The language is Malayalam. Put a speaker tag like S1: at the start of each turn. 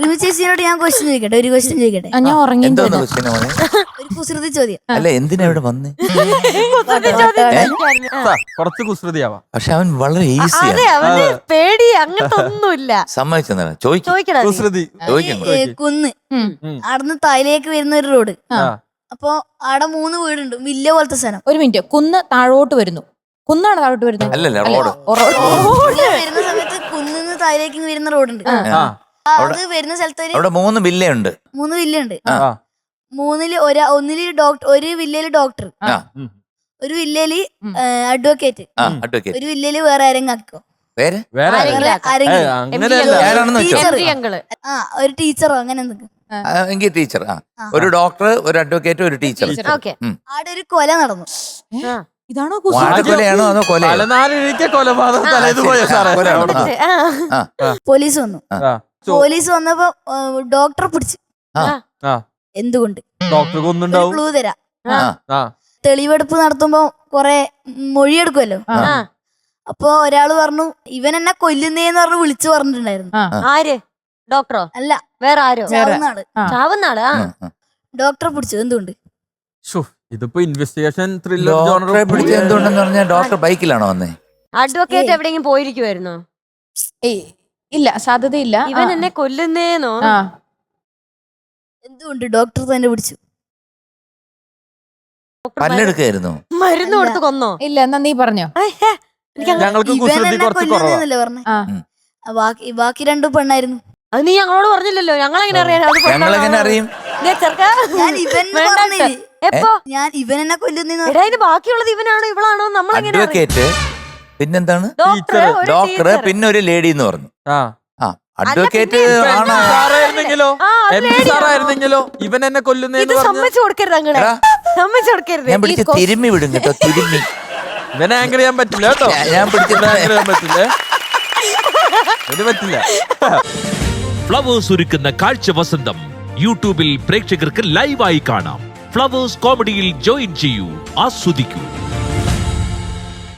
S1: റിമി ചേച്ചിയോട് ഞാൻ ക്വസ്റ്റ്യൻ ചോദിക്കട്ടെ, ഒരു ക്വസ്റ്റ്യൻ ചോദിക്കട്ടെ?
S2: ഞാൻ ഉറങ്ങി.
S1: ഒരു കുസൃതി ചോദ്യം.
S3: അല്ല എന്തിനാ ഇവിടെ വന്ന്?
S4: കുറച്ച് കുസൃതിയാവാം.
S3: പക്ഷെ അവൻ വളരെ ഈസിയാണ്.
S5: അതെ, അവന് പേടി അങ്ങനത്തെ ഒന്നുമില്ല.
S3: സമ്മതിച്ചെന്നാ ചോദിക്കണം.
S4: കുസൃതി
S1: കുന്ന് അവിടുന്ന് താഴേക്ക് വരുന്ന ഒരു റോഡ്. അപ്പൊ അവിടെ 3 വീടുണ്ട്, വില്ല പോലത്തെ സ്ഥലം.
S2: ഒരു മിനിറ്റ്, കുന്ന് താഴോട്ട് വരുന്നു. കുന്നാണ് താഴോട്ട് വരുന്നത്?
S3: അല്ലല്ല, റോഡ്.
S1: വരുന്ന സമയത്ത് കുന്നിന്ന് താഴേക്ക് വരുന്ന റോഡുണ്ട്. അത് വരുന്ന സ്ഥലത്ത്
S3: അവിടെ 3 വില്ലയുണ്ട്.
S1: 3 വില്ലുണ്ട്. 3-ല് ഒരു വില്ലയില് ഡോക്ടർ, ഒരു വില്ലയില് അഡ്വക്കേറ്റ്, ഒരു വില്ലയില് വേറെ ആരെങ്കിലും ആക്കോ, ഒരു ടീച്ചറോ അങ്ങനെ എന്തൊക്കെ.
S3: എങ്കിൽ ടീച്ചർ, ഒരു ഡോക്ടർ, ഒരു അഡ്വക്കേറ്റ്, ഒരു ടീച്ചർ.
S1: അവിടെ ഒരു കൊല നടന്നു.
S2: ഇതാണോ
S3: കൊലയാണോ അതോ
S1: പോലീസ് വന്നു. പോലീസ് വന്നപ്പോ ഡോക്ടറെ പിടിച്ചു. എന്തുകൊണ്ട്? ക്ലൂ തരാം. തെളിവെടുപ്പ് നടത്തുമ്പോ കൊറേ മൊഴിയെടുക്കുമല്ലോ. അപ്പൊ ഒരാള് പറഞ്ഞു ഇവൻ എന്നെ കൊല്ലുന്നേന്ന് പറഞ്ഞ് വിളിച്ചു പറഞ്ഞിട്ടുണ്ടായിരുന്നു.
S5: ആര്? ഡോക്ടറോ?
S1: അല്ല,
S5: വേറെ ആരോ.
S1: ചാവുന്നാള്. ഡോക്ടറെ പിടിച്ചു. എന്തുകൊണ്ട്?
S4: ഇതിപ്പോ ഇൻവെസ്റ്റിഗേഷൻ ത്രില്ലർ
S3: ഡോക്ടറെ പിടിച്ച എന്തുകൊണ്ടെന്ന് പറഞ്ഞാൽ ഡോക്ടർ ബൈക്കിലാണോ വന്നേ?
S5: അഡ്വക്കേറ്റ് എവിടെയെങ്കിലും പോയിരിക്കുവായിരുന്നോ?
S2: ഇല്ല, സാധ്യതയില്ല.
S5: ഇവൻ എന്നെ കൊല്ലുന്നേന്നോ?
S1: എന്തുകൊണ്ട് ഡോക്ടർ തന്നെ പിടിച്ചു?
S3: പല്ലെടുക്കായിരുന്നു.
S5: മരുന്ന് കൊടുത്ത് കൊന്നോ?
S2: ഇല്ല, എന്നാ നീ പറഞ്ഞോ.
S1: കൊല്ലുന്നല്ലേ പറഞ്ഞേ? ബാക്കി 2 പെണ്ണായിരുന്നു.
S5: അത് നീ ഞങ്ങളോട് പറഞ്ഞില്ലല്ലോ. ഞങ്ങളെങ്ങനെ
S3: അറിയും?
S1: ഞാൻ ഇവൻ എന്നെ കൊല്ലുന്ന.
S5: ബാക്കിയുള്ളത് ഇവനാണോ ഇവളാണോ നമ്മളെങ്ങനെ?
S3: അഡ്വക്കേറ്റ്, പിന്നെന്താണ് ഡോക്ടർ, പിന്നെ ഒരു ലേഡി എന്ന് പറഞ്ഞു. അഡ്വക്കേറ്റ്
S4: ആയിരുന്നെങ്കിലോ ഇവൻ എന്നെ കൊല്ലുന്നേന്ന്
S5: സമ്മതിച്ചു കൊടുക്കരുത്. അങ്ങനെ സമ്മതിച്ചു കൊടുക്കരുത്.
S3: ഞാൻ പിടിച്ച് തിരുമ്മി വിടും കേട്ടോ. തിരുമ്മി
S4: ഇവനെ ആങ്കർ ചെയ്യാൻ പറ്റില്ല കേട്ടോ.
S3: ഞാൻ പിടിച്ചിട്ട്
S4: ആങ്കർ ചെയ്യാൻ പറ്റില്ലേ? പറ്റില്ല.
S6: ഫ്ലവേഴ്സ് ഒരുക്കുന്ന കാഴ്ച വസന്തം യൂട്യൂബിൽ പ്രേക്ഷകർക്ക് ലൈവായി കാണാം. ഫ്ലവേഴ്സ് കോമഡിയിൽ ജോയിൻ ചെയ്യൂ, ആസ്വദിക്കൂ.